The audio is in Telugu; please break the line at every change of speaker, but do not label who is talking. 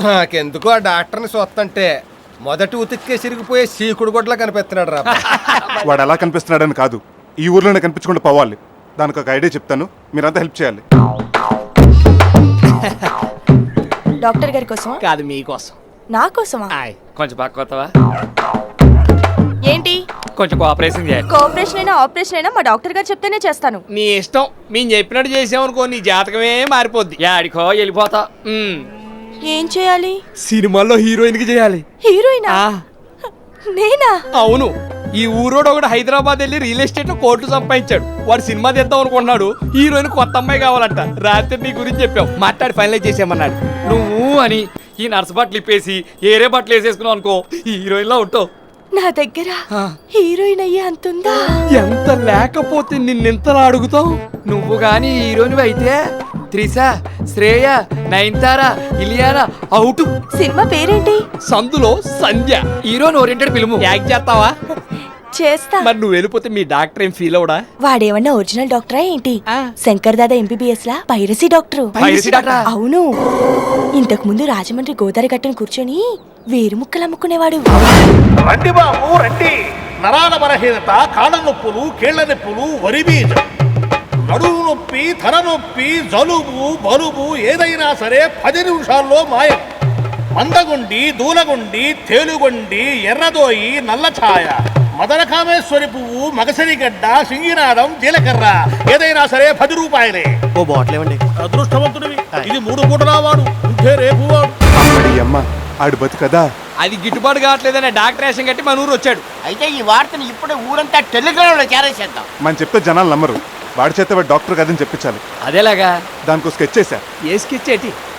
నాకెందుకు ఆ డాక్టర్ని చూస్తుంటే మొదటి ఉతిక్కే సిరిగిపోయే సీకుడు గొడ్లా కనిపిస్తున్నాడు రా.
వాడు ఎలా కనిపిస్తున్నాడని కాదు, ఈ ఊర్లోనే కనిపించకుండా పోవాలి. దానికి ఒక ఐడియా చెప్తాను, మీరంతా హెల్ప్ చేయాలి.
డాక్టర్ గారి కోసమా?
కాదు మీకోసం.
నా కోసమా?
కొంచెం పక్కొత్తవా?
ఏంటి?
కొంచెం కోఆపరేషన్ చేయాలి.
కోఆపరేషన్ అయినా ఆపరేషన్ అయినా మా డాక్టర్ గారు చెప్తేనే చేస్తాను.
నీ ఇష్టం. మేము చెప్పినట్టు చేసామనుకో నీ జాతకమే మారిపోద్ది. యాడికో వెళ్ళిపోతా.
ఏం చేయాలి?
సినిమాల్లో హీరోయిన్ కి చేయాలి.
హీరోయినా? నేనా?
అవును. ఈ ఊరోడు ఒకటి హైదరాబాద్ వెళ్ళి రియల్ ఎస్టేట్ లో కోట్లు సంపాదించాడు. వాడు సినిమా తీద్దాం అనుకున్నాడు. హీరోయిన్ కొత్త అమ్మాయి కావాలంట. రాత్రి నీ గురించి చెప్పావు, మాట్లాడి ఫైనలైజ్ చేసామన్నాడు. నువ్వు అని ఈ నర్సు బట్టలు ఇప్పేసి ఏరే బట్టలు వేసేసుకున్నావు అనుకో, ఈ హీరోయిన్ లో ఉంటావు.
నా దగ్గర హీరోయిన్ అయ్యే అంతుందా?
ఎంత లేకపోతే నిన్నెంతలా అడుగుతావు? నువ్వు గాని హీరోయిన్ అయితే త్రిష, శ్రేయ, నయనతార, ఇలియానా అవుట్.
సినిమా పేరేంటి?
సందులో Sandhya. Heroine oriented film. Act చేస్తావా?
చేస్తా.
మరి నువ్వు వెళ్ళిపోతే మీ డాక్టర్ ఏం ఫీల్ అవడా?
వాడేమన్నా ఒరిజినల్ డాక్టరా ఏంటి? శంకర్ దాదా ఎంబీబీఎస్ లా పైరసీ డాక్టర్. అవును. ఇంతకు ముందు రాజమండ్రి గోదావరి గట్టును కూర్చొని వేరు ముక్కలు అమ్ముకునేవాడు.
రండి బాబు రండి. నరాల బలహీనత, కాళ్ళ నొప్పులు, కీళ్ల నొప్పులు, వరి బీజం, నడుము నొప్పి, తల నొప్పి, జలుబు, బలుబు ఏదైనా సరే 10 నిమిషాల్లో మాయం. మందగుండి, దూలగుండి, తేలుగొండి, ఎర్రదోయి, నల్లఛాయ, మదనకామేశ్వరి పువ్వు, మగసరిగడ్డ, సింగినాదం, జీలకర్ర ఏదైనా సరే 10 రూపాయలే.
ఓ బాటిల్ ఇవ్వండి.
అదృష్టవంతుడివి. ఇది 3 పూటలా వాడు, ఉంటే రేపు వాడు.
అమ్మ ఆడు బతుకదా?
అది గిట్టుబాటు కావట్లేదనే డాక్టర్ వేషం కట్టి మన ఊరు వచ్చాడు.
అయితే ఈ వార్తను ఇప్పుడే ఊరంతా టెలిగ్రామ్ లో చేరేసేద్దాం.
మనం చెప్తే జనాలు నమ్మరు. వాడి చేత వాడు డాక్టర్ కదని చెప్పించాలి.
అదేలాగా
దానికి స్కెచ్ చేశా.
ఏ స్కెచ్ ఏంటి?